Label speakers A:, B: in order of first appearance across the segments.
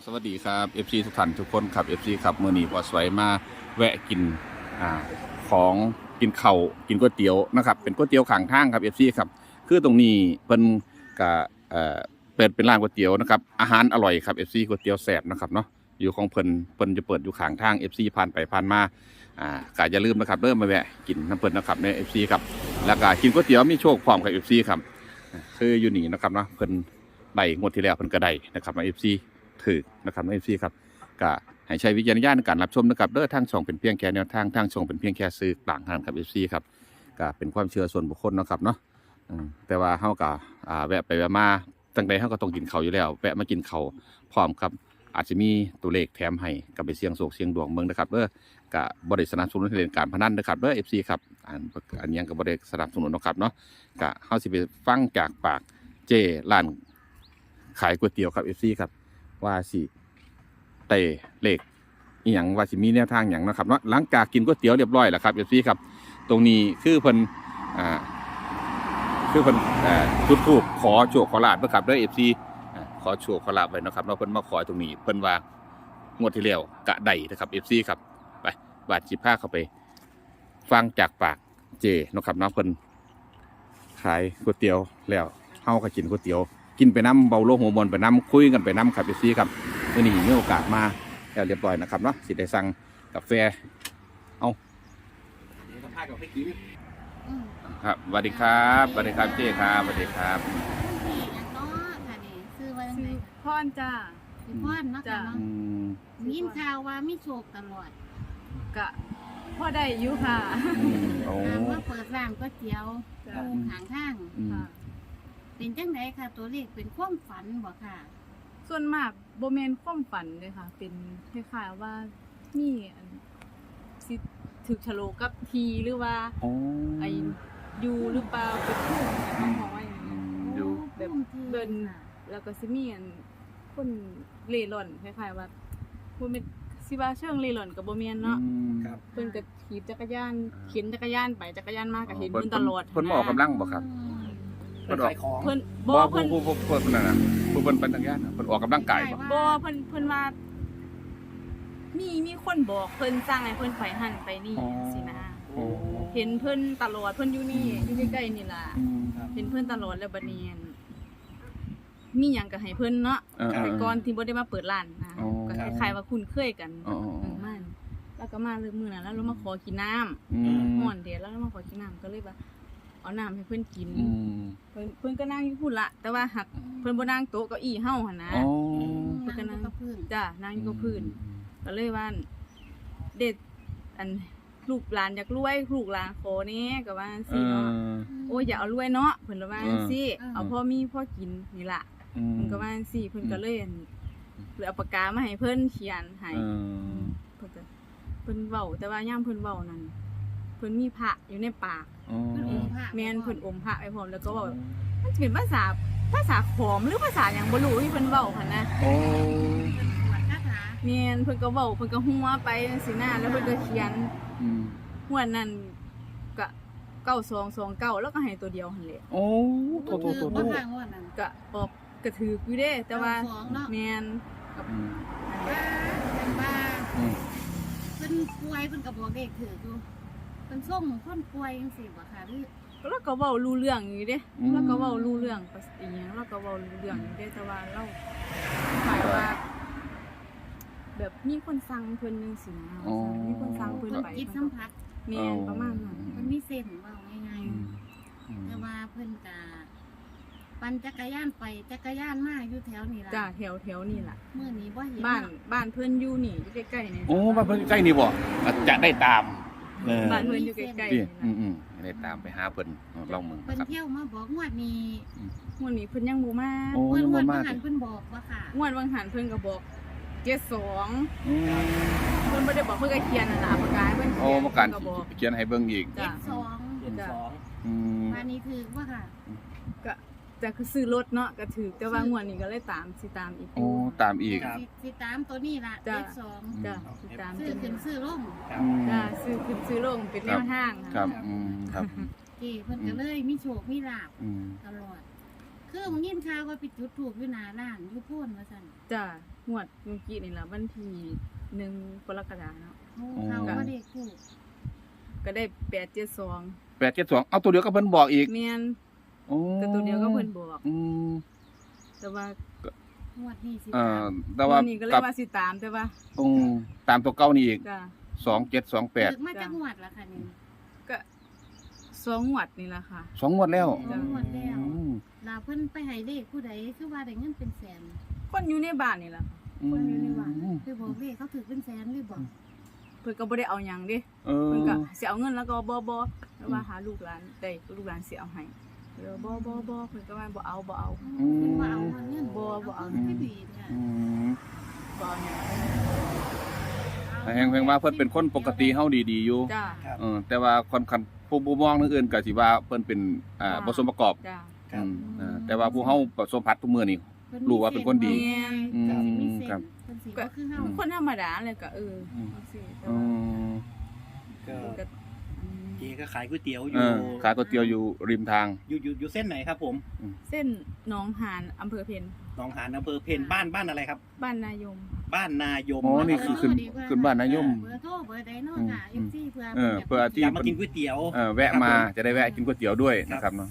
A: สวัสดีครับ FC ทุกท่านทุกคนครับ FC ครับมื้อนี้พอสวยมาแวะกินของกินข้าวกินก๋วยเตี๋ยวนะครับเป็นก๋วยเตี๋ยวข้างทางครับ FC ครับคือตรงนี้เพิ่นก็เปิดเป็นร้านก๋วยเตี๋ยวนะครับอาหารอร่อยครับ FC ก๋วยเตี๋ยวแซ่บนะครับเนาะอยู่ของเพิ่นจะเปิดอยู่ข้างทาง FC ผ่านไปผ่านมาก็อย่าลืมนะครับมาแวะกินน้ำเพิ่นนะครับใน FC ครับแล้วก็กินก๋วยเตี๋ยวมีโชคพร้อมกับ FC ครับคืออยู่นี่นะครับเนาะเพิ่นได้งวดที่แล้วเพิ่นก็ได้นะครับใน FCถือนะครับในซีครับก็ให้ใช้วิจารณญาณในการรับชมนะครับเด้อทางช่องเป็นเพียงแค่แนวทางทางช่องเป็นเพียงแค่สื่อกลางทางครับเอฟซีครับก็เป็นความเชื่อส่วนบุคคลนะครับเนาะแต่ว่าเฮาก็แวะไปแวะมาตั้งแต่เฮาก็ต้องกินข้าวอยู่แล้วแวะมากินข้าวพร้อมครับอาจจะมีตัวเลขแถมให้กับไปเสี่ยงโชคเสี่ยงดวงเมืองนะครับเด้อก็บ่ได้สนับสนุนให้เล่นการพนันนะครับเด้อ FC ครับอันยังก็บ่ได้สนับสนุนนะครับเนาะก็เฮาสิไปฟังจากปากเจ้ร้านขายก๋วยเตี๋ยวครับ FC ครับว่าสิเตะเลขอีหยังว่าสิมีแนวทางอย่างนะครับเนาะหลังจากกินก๋วยเตี๋ยวเรียบร้อยแล้วครับเอฟซีครับตรงนี้คือเพิ่นจุดธูปขอโชคขอลาภนะครับด้วยเอฟซีขอโชคขอลาภไว้นะครับเนาะเพิ่นมาขอตรงนี้เพิ่นว่างวดที่แล้วกะได้นะครับเอฟซีครับไปบาดจิบผ้าเข้าไปฟังจากปากเจนะครับเนาะเพิ่นขายก๋วยเตี๋ยวแล้วเฮาก็กินก๋วยเตี๋ยวกินไปน้ำเบาโลหัวมนไปน้ำคุยกันไปน้ำครับเอฟซีครับวันนี้มีโอกาสมาแล้วเรียบร้อยนะครับเนาะสิได้สั่งกาแฟเอาครับสวัสดีครับสวัสดีครับเจ๊ครับสวัสดีครับ
B: ซื้อว่าจังได๋
C: พรจ้า
B: ซื้อพรเนาะค่ะเนาะยินข่าวว่ามีโชคตลอด
C: กะพ่อได้อยู่ค่ะ
B: มาเปิดร้านก๋วยเตี๋ยวตรงข้างทางค่ะเป็นจังได๋ค่ะตัวเลขเป็นความฝันบ่ค่ะ
C: ส่วนมากบ่แม่นความฝันเลยค่ะเป็นคล้ายๆว่ามีสิถึกฉลกกับทีหรือว่าไอ้อยู่หรือเปล่าเป็นผู้ต้องมองว่าอย่างนี้
A: อยู่
C: แบบเบิ่นแล้วก็สิมีคนเร่ร่อนคล้ายๆว่าบ่แม่นสิว่าเชิงเร่ร่อนก็บ่แม่นเนาะเพิ่นก็ขี่จักรยานเข็นจักรยานไปจักรยานมาก็เห็นเพิ่นตลอด
A: เพิ่นออกกำลังบ่ครับ
D: เพิ่นขายของ
C: เพิ่น
A: บ่เพิ่นนั่นน่ะเพิ่นเป็นจักรยานเพิ่นออกกำลังกาย
C: บ่เพิ่นว่ามีคนบอกเพิ่นสั่งให้เพิ่นไปหั่นไปนี่สินะเห็นเพิ่นตลอดเพิ่นอยู่นี่อยู่ใกล้ๆนี่ล่ะเห็นเพิ่นตลอดแล้วบัดนี้มีหยังก็ให้เพิ่นเนาะแต่ก่อนที่บ่ได้มาเปิดร้านนะก็คล้ายๆว่าคุ้นเคยกันมันแล้วก็มาเลยมื้อนั้นแล้วเรามาขอกินน้ำฮ้อนเดดแล้วเรามาขอกินน้ำก็เลยว่าเอาน้ำให้เพิ่นกินเพิ่นก็นั่งอยู่พุ่นละแต่ว่าหักเพิ่นบ่นั่งโต๊ะเก้าอี้เฮาหั่นนะ
B: เพิ่นก็นั่งกับพื้น
C: จ้ะนั่งอยู่กับพื้นก็เลยว่าเด็ดอันลูกหลานอยากรวยลูกหลานขอแน่ก็ว่าจังซี่เนาะโอ้ยอย่าเอารวยเนาะเพิ่นว่าจังซี่เอาพอมีพอกินนี่ล่ะเพิ่นก็ว่าจังซี่เพิ่นก็เลยเอาปากกามาให้เพิ่นเขียนให้เพิ่นเว้าแต่ว่ายามเพิ่นเว้านั่นเพิ่นมีพระอยู่ในปากแม่นเพิ่นอมพระไว้พร้อมแล้วก็เว้ามันสิเป็นภาษาขอมหรือภาษาหยังบ่รู้ที่เพิ่นเว้าหั่นนะแม่นเพิ่นก็เว้าเพิ่นก็หัวไปจังซี่นะแล้วเพิ่นก็เขียนหัวนั้นก็9229แล้วก็ให้ตัวเดียวหั่นแหละ
A: โอ้โต
B: บ่ทางว่านั่น
C: ก็ออกกระถืออยู่เด้แต่ว่าแม่น
B: กับบ้าเพิ่นป่วยเพิ่นก็บอกเลขถืออยู่เพิ่นส่งคนป่วยจังซี่บ่ค่ะหรือ
C: แล้วก็เว้ารู้เรื่องอยู่เด้แล้วก็เว้ารู้เรื่องอีหยังแล้วก็เว้ารู้เรื่องอยู่เด้แต่ว่าเราหมายว่าแบบมีคนสั่งเพิ่นจังซี่นะมีคนสั่งเพิ่นไป
B: จิตสัมผัส
C: แม่นประมาณนั้น
B: เพิ่นมีเส้นเว้าง่ายๆแต่ว่าเพิ่นก็ปั่นจักรยานไปจักรยานมาอยู่แถวนี้ล่ะ
C: จ้ะแถวนี่ล่ะ
B: มื้อนี้บ่เห็น
C: บ้านเพิ่นอยู่นี่อยู่ใกล้ๆนี่
A: โอ้บ้านเพิ่นใกล้นี่บ่จะได้ตาม
C: บ้านเพิ่นอยู่ใกล้ๆนี่
A: ได้ตามไปหาเพิ่นลองมึง
B: เพิ่นเที่ยวมาบอกงวดนี้
C: เพิ่นยังบ่มา
B: งวดบ่หันเพิ่นบอกว่าค่ะ
C: งวดวังหันเพิ่นก็บอก72เพิ่นบ่ได้บอกเพิ่นก็เขียนน่ะล่ะปากกาเพิ่น
A: โอ้ปากกาเขียนให้เบิ่งอีก
B: 72วันนี้ถือว่าค่ะ
C: ก็จะคือซื้อรถเนาะก็ถือแต่ว่างวดนี้ก็เลยตามสิตามอีก
A: โอ้ตามอีก
B: สิตามตัวนี้ล่ะ72
C: จ้ะสิตาม
B: ซื้อขึ้นซื้อลง
C: จ้ะซื้อขึ้นซื้อลงเป็นแนวทาง
A: ครับครับ
B: เพิ่นก็เลยมีโชคมีลาภตลอดคือมึงยินข่าวว่าไปจุดธูปอยู่หน้าร้านอยู่โพนว่าซั่น
C: จ้ะงวดเมื่อกี้นี่ล่ะวันที่1 กรกฎาคมเนาะ
B: โอ้เขาบ่ได้ถูก
C: ก็ได้872
A: 872เอาตัวเดียวก็เพิ่นบอกอีก
C: แม่น
A: โอ้
C: ก็ตัวเดียวก็เพิ่นบอก
A: อืม
C: แต่ว่าง
B: วดนี้สิ
A: แต่ว่า
C: วันนี้ก็เลย
A: กับ
C: ว่าสิตามแต่ว่า
A: ตามตัวเก่านี่อีก
C: จ้ะ
A: 2728
B: เกิดมาจากงวดละค่ะนี่
C: ก็2 งวดนี่ล่ะค่ะ
A: 2งวดแล้ว
B: งวดแล้ว
A: อืม
B: ลาเพิ่นไปให้เลขผู้ใดคือว่าได้เงินเป็นแสน
C: คนอยู่ในบ้านนี่ล่ะค่ะ
B: คนอยู่ในว่าคือบอกเลขเขาถือเป็นแสนหรือบอก
C: เพิ่นก็บ่ได้เอาหยังเด้
A: เออ
C: เพิ่นก็สิเอาเงินแล้วก็บ่แล้วว่าหาลูกหลานได้ลูกหลานสิเอาให้บ่เพิ่นก็ว่าบ่เอา
B: เพิ่นว่าเอาเงิน
C: บ่เอา
B: ไม่ดีเนี่ย
A: อืม
C: บ่เอาหยัง
A: แฮงว่าเพิ่นเป็นคนปกติเฮาดีๆอยู่
C: จ้า
A: แต่ว่าคนคันผู้มองทางอื่นก็สิว่าเพิ่นเป็นบ่สมประกอบ
C: จ้า
D: ครับ
A: แต่ว่าผู้เฮาประสบพัดทุกมื้อนี่ รู้ว่าเป็นคนดี
B: อืม
A: ค
B: ค
A: รั
B: รับ บเพิ่นสิบ่คือเฮา
C: คนธรรมดาเลยก็จังซี่แต่
A: อื
C: ว่าม
D: ก็
C: ก็
D: เจ๊ก็ขายก๋วยเตี๋ยวอ
A: เอยู่ อขายก๋วยเตี๋ยวอยู่ริมทาง
D: อยู่เส้นไหนครับผม
C: เส้นหนองหานอำเภอเพ็ญ
D: หนองหานอำเภอเพนบ้านอะไรครับ
C: บ้านนายม
D: บ้านนายม
A: อ๋อนี่คือขึ้นบ้านนายม
B: เบอร์โทรเบอร์ใดเนาะค่ะ FC เพื่อ
A: เพื่อที่
D: อยากมากินก๋วยเตี๋ยว
A: แวะมาจะได้แวะกินก๋วยเตี๋ยวด้วยนะครับเนาะ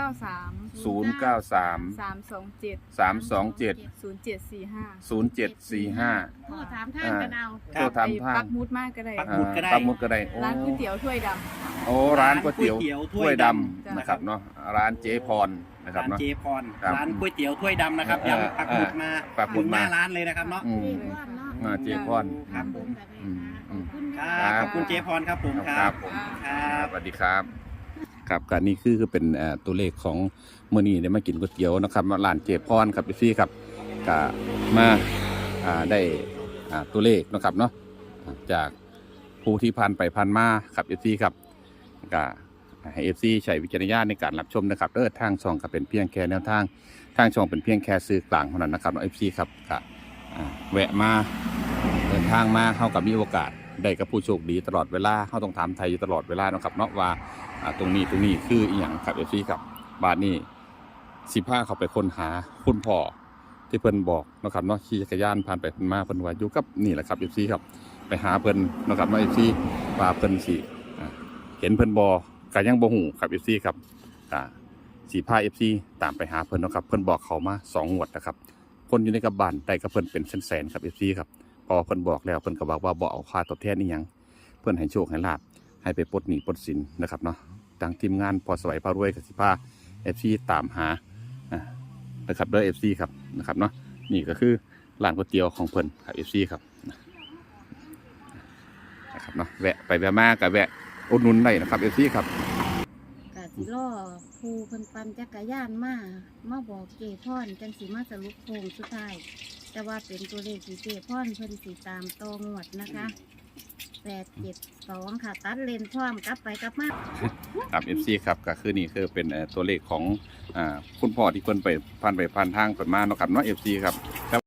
C: 093
A: 093
C: 327
A: 327
C: 0745
A: 0745
B: โทรถามทางกันเอา
A: โทรถามทาง
C: ปักหมุดมากก็ได้
D: ปักหมุดก็ได้
A: ปักหมุดก็ได้โอ้
C: ร้านก๋วยเตี๋ยวถ้วยดำ
A: โอ้ร้านก๋วยเตี๋ยว
D: ถ้
A: ถ้
D: ว
A: วย ย
D: ด
A: ด
D: ำ
A: นะครับเนาะร้านเจ๊พรนะครับ
D: ร้าน
A: เนาะ
D: เจพร
A: ครับ
D: ร้านก๋วยเตี๋ยวถ้วยดำนะครับ
A: เออ
D: ย้ำปักหมุดมา
A: ปักหมุดมา
D: ถึงหน้าร้านเลยนะครับเนาะ
A: อืม
B: เจ๊พรเนาะ
A: เจ๊พร
D: ครับผม
B: ขอบคุณ
D: ครับขอบคุณเจพรครับผมค
A: ค
D: รั
A: รั
D: บบ
A: ผม
D: ครับ
A: สวัสดีครับครับการนี้คือเป็นตัวเลขของมื้อนี้ได้มากินก๋วยเตี๋ยวนะครับร้านเจ๊พรครับพี่ครับก็มาได้ตัวเลขนะครับเนาะจากผู้ที่ผ่านไปผ่านมาครับพี่ครับก็ให้ FC ใช้วิจารณญาณในการรับชมนะครับทางช่องก็เป็นเพียงแค่แนวทางช่องเป็นเพียงแค่สื่อกลางเท่านั้นนะครับ FC ครับก็แวะมาเดินทางมาเข้ากับมีโอกาสได้กับผู้โชคดีตลอดเวลาเขาต้องถามไทยอยู่ตลอดเวลานะครับเนาะว่าตรงนี้คืออีหยังครับ FC ครับบาทนี้15เขาไปค้นหาคุณพ่อที่เพิ่นบอกนะครับเนาะขี่จักรยานผ่านไปผ่านมาเพิ่นว่าอยู่กับนี่แหละครับ FC ครับไปหาเพิ่นนะครับเนาะ FC ว่าเพิ่นสิเห็นเพิ่นบ่ก็ยังบ่ฮู้ครับ FC ครับสิพา FC ตามไปหาเพิ่นเนาะครับเพิ่นบอกเขามา2งวดนะครับคนอยู่ในกับบ้านได้กับเพิ่นเป็นแสนๆครับ FC ครับพอเพิ่นบอกแล้วเพิ่นก็บอกว่าบ่เอาค่าตอบแทนอีหยังเพิ่นให้โชคให้ลาภให้ไปปลดหนี้ปลดสินนะครับเนาะทางทีมงานพอสวัยพารวยก็สิพา FC ตามหานะครับเด้อ FC ครับนะครับเนาะนี่ก็คือร้านก๋วยเตี๋ยวของเพิ่นครับ FC ครับนะครับเนาะแวะไปแวะมาก็แวะอุดหนุนได้นะครับ FC ครับ
B: กะสิรอผู้เพิ่นปั่นจักรยานมาบอกเจพรจังสิมาสรุปโครงสุดท้าย แต่ว่าเป็นตัวเลขที่เจพรเพิ่นสิตามต่องวดนะคะ872ค่ะตัดเลนพร้อมกลับไปกลับมา
A: ครับ FC ครับก็คือนี่คือเป็นตัวเลขของคุณพ่อที่เพิ่นไปผ่านทางเพิ่นมาเนาะครับเนาะ FC ครับ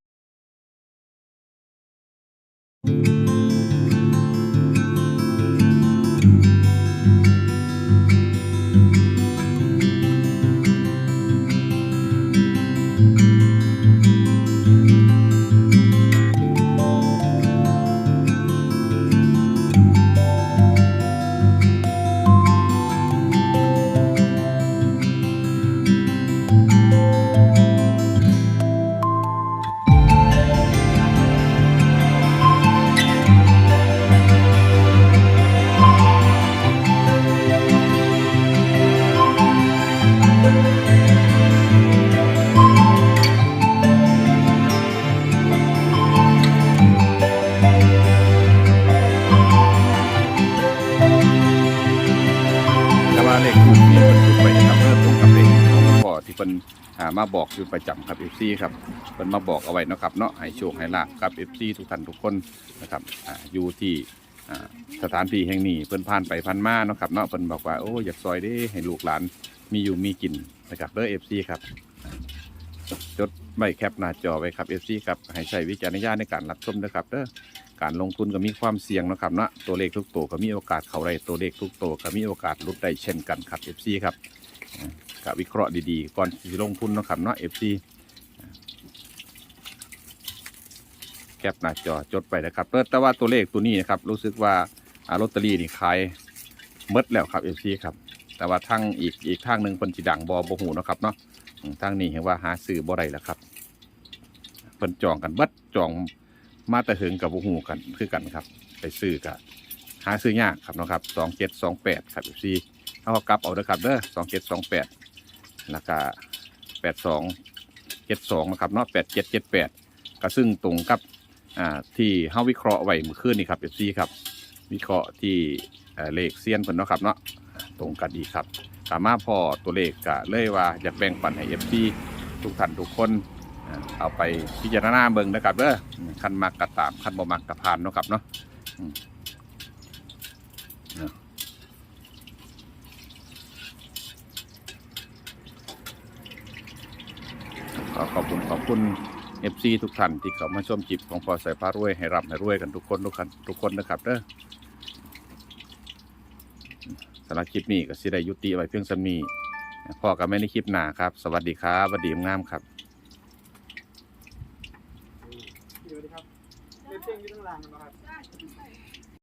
A: แต่ว่าเลขทูปที่เพิ่นจุดไปครับตรงกับเลขของคุณพ่อที่เพิ่นมาบอกอยู่ประจำครับ FC ครับเพิ่นมาบอกเอาไว้เนาะครับเนาะให้โชคให้ลาภกับ FC ทุกท่านทุกคนนะครับอยู่ที่สถานที่แห่งนี้เพิ่นผ่านไปผ่านมาเนาะครับเนาะเพิ่นบอกว่าโอ้อยากซอยเด้ให้ลูกหลานมีอยู่มีกินนะครับเด้อ FC ครับจดไว้แคปหน้าจอไว้ครับ FC ครับให้ใช้วิจารณญาณในการรับชมนะครับเด้อการลงทุนก็มีความเสี่ยงนะครับเนาะตัวเลขทุกตัวก็มีโอกาสเข้าได้ตัวเลขทุกตัวก็มีโอกาสหลุดได้เช่นกันครับ FC ครับก็วิเคราะห์ดีๆก่อนที่จะลงทุนนะครับเนาะ FC แคปหน้าจอจดไปนะครับแต่ว่าตัวเลขตัวนี้นะครับรู้สึกว่าลอตเตอรี่นี่ขายหมดแล้วครับ FC ครับแต่ว่าทางอีกทางหนึ่งเพิ่นสิดังบ่ฮู้เนาะครับเนาะทางนี้เห็นว่าหาซื้อบ่ได้แล้วครับเพิ่นจองกันเบิดจองมาแต่ถึงกับบ่ฮู้กันคือกันครับไปซื้อก็หาซื้อยากครับเนาะครับ2728ครับ FC เฮาก็กลับเอาเด้อครับเด้อ2728แล้วก็8272นะครับเนาะ8778ก็ซึ่งตรงกับที่เฮาวิเคราะห์ไว้เมื่อคืนนี่ครับ FC ครับวิเคราะห์ที่เลขเซียนเพิ่นเนาะครับเนาะตรงกันดีครับสามารถพอตัวเลขก็เลยว่าอยากแบ่งปันให้ FC ทุกท่านทุกคนเอาไปพิจารณาเบิ่งนะครับเด้อคันมักก็ตามคันบ่มักก็ผ่านเนาะครับเนาะขอบคุณ FC ทุกท่านที่เข้ามาชมคลิปของพอสายฟ้ารวยให้ร่ำให้รวยกันทุกคนนะครับเด้อสำหรับคลิปนี้ก็สิได้ยุติไว้เพียงส่ำนี้พอกันไม่ในคลิปหน้าครับสวัสดีครับสวัสดีงามครับ
E: สวัสดีครับเล่นเพลงอยู่ข้างล่างนะครับ